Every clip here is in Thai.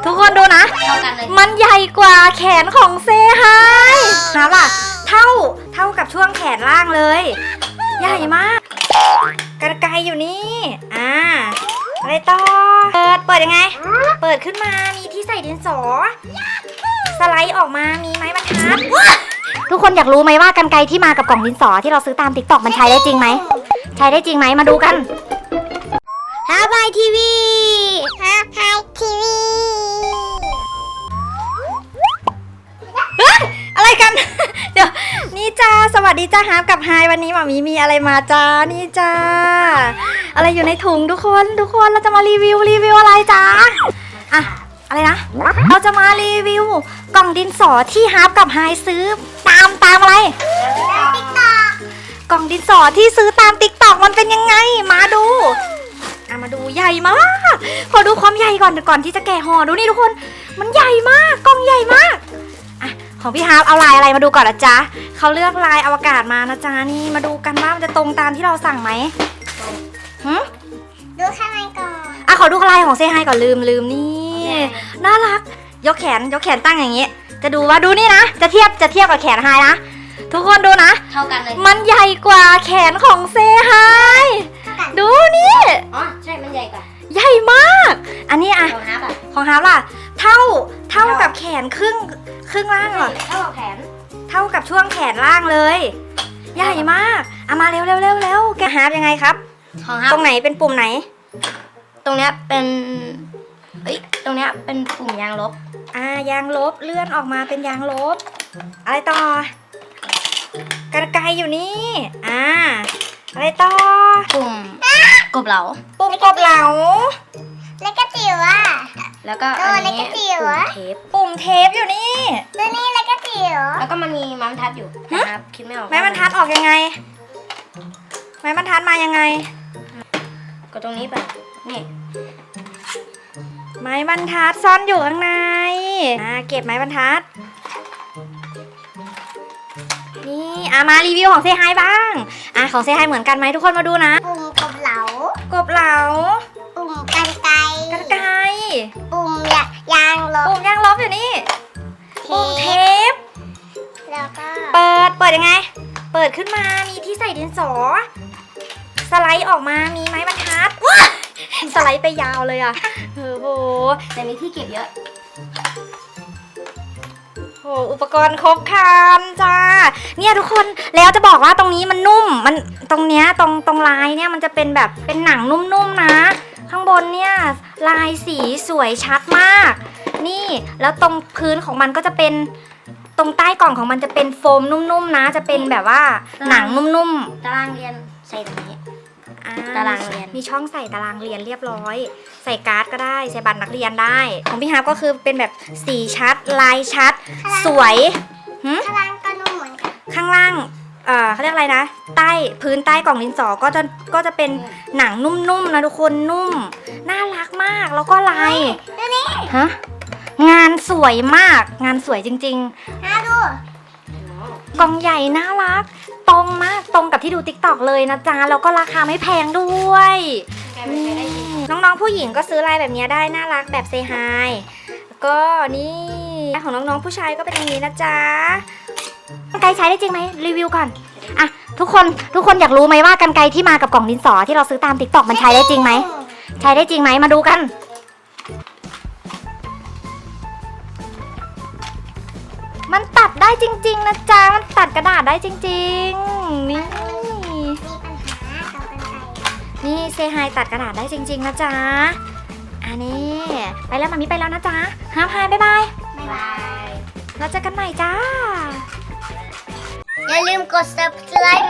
ทุกคนดูนะมันใหญ่กว่าแขนของเซฮายนะล่ะเท่ากับช่วงแขนล่างเลยใหญ่มากกระไกอยู่นี่อะไรต่อเปิดยังไงเปิดขึ้นมามีที่ใส่ดินสอสไลด์ออกมามีไม้บรรทัดทุกคนอยากรู้ไหมว่ากรรไกรที่มากับกล่องดินสอที่เราซื้อตาม TikTok มันใช้ได้จริงไหมใช้ได้จริงไหมมาดูกันฮาบายทีวีอะไรกัน เดี๋ยวนี่จ้าสวัสดีจ้าฮาร์ปกับไฮวันนี้หมามีอะไรมาจ้านี่จ้าอะไรอยู่ในถุงทุกคนเราจะมารีวิวอะไรจ้าอะอะไรนะเราจะมารีวิวกล่องดินสอที่ฮาร์ปกับไฮซื้อตามอะไรกล่องดินสอที่ซื้อตาม TikTok มันเป็นยังไงมาดูมาดูใหญ่มากขอดูความใหญ่ก่อนที่จะแกะห่อดูนี่ทุกคนมันใหญ่มากกล่องใหญ่มากของพี่ฮาร์ปเอาลายอะไรมาดูก่อนนะจ๊ะเขาเลือกลายอวกาศมานะจ๊ะนี่มาดูกันว่ามันจะตรงตามที่เราสั่งไหมดูข้างในก่อนขอดูลายของเซฮายก่อนลืมนี่น่ารักยกแขนตั้งอย่างนี้จะดูว่าดูนี่นะจะเทียบกับแขนไฮนะทุกคนดูนะเท่ากันเลยมันใหญ่กว่าแขนของเซฮายดูนี่ใช่มันใหญ่กว่าใหญ่มากอันนี้ของฮาร์ปล่ะเท่ากับแขนครึ่งล่างเหรอเท่ากับแขนเท่ากับช่วงแขนล่างเลยใหญ่มากมาเร็วแกฮาร์ปยังไงครับของฮาร์ปตรงไหนเป็นปุ่มไหนตรงเนี้ยเป็นตรงเนี้ยเป็นปุ่มยางลบยางลบเลื่อนออกมาเป็นยางลบอะไรต่อกระไกอยู่นี่อะไรต่อปุ่มกบเหลาปุ่มกบเหลาแล้วก็จิ๋วแล้วก็อันนี้ปุ่มเทปอยู่นี่ตัวนี้แล้วก็จิ๋วแล้วก็มันมีไม้บรรทัดอยู่นะครับคิดไม่ออกไม้บรรทัดออกยังไงไม้บรรทัดมายังไงก็ตรงนี้ไปนี่ไม้บรรทัดซ่อนอยู่ข้างในเก็บไม้บรรทัดนี่มารีวิวของเซฮายบ้างของเซฮายเหมือนกันไหมทุกคนมาดูนะปุ่มกบเหลาปุ่มกรรไกรปุ่มยางลบอยู่นี่ปุ่มเทปแล้วก็เปิดยังไงเปิดขึ้นมามีที่ใส่ดินสอสไลด์ออกมามีไม้บรรทัดสไลด์ไปยาวเลยโหแต่มีที่เก็บเยอะอุปกรณ์ครบครันจ้าเนี่ยทุกคนแล้วจะบอกว่าตรงนี้มันนุ่มมันตรงเนี้ยตรงลายเนี่ยมันจะเป็นแบบเป็นหนังนุ่มๆนะข้างบนเนี่ยลายสีสวยชัดมากนี่แล้วตรงพื้นของมันก็จะเป็นตรงใต้กล่องของมันจะเป็นโฟมนุ่มๆนะจะเป็นแบบว่าหนังนุ่มๆตารางเรียนใส่ตรงนี้ตารางเรียนมีช่องใส่ตารางเรียนเรียบร้อยใส่การ์ดก็ได้ใส่บัตรนักเรียนได้ของพี่ฮาร์ปก็คือเป็นแบบสีชัดลายชัดสวยข้างล่างก็นุ่มเหมือนกันข้างล่างเขาเรียกอะไรนะพื้นใต้กล่องดินสอก็จะเป็นหนังนุ่มๆนะทุกคนนุ่มน่ารักมากแล้วก็ลายงานสวยมากงานสวยจริงๆดูกล่องใหญ่น่ารักตรงมากตรงกับที่ดู TikTok เลยนะจ๊ะแล้วก็ราคาไม่แพงด้วยน้องๆผู้หญิงก็ซื้อลายแบบนี้ได้น่ารักแบบเซฮายก็นี่ของน้องๆผู้ชายก็เป็นอย่างนี้นะจ๊ะกรรไกรใช้ได้จริงไหมรีวิวก่อนทุกคนอยากรู้ไหมว่ากรรไกรที่มากับกล่องดินสอที่เราซื้อตาม TikTok มันใช้ได้จริงไหมใช้ได้จริงไหมมาดูกันมันตัดได้จริงๆนะจ๊ะมันตัดกระดาษได้จริงๆนี่เซฮายตัดกระดาษได้จริงๆนะจ๊ะนี่ไปแล้วมามิไปแล้วนะจ๊ะฮาร์ปไฮบ๊ายบายเราเจอกันใหม่จ้าอย่าลืมกด subscribe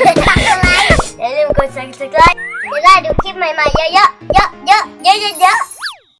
อย่าลืมกด subscribe จะได้ดูคลิปใหม่ๆเยอะๆ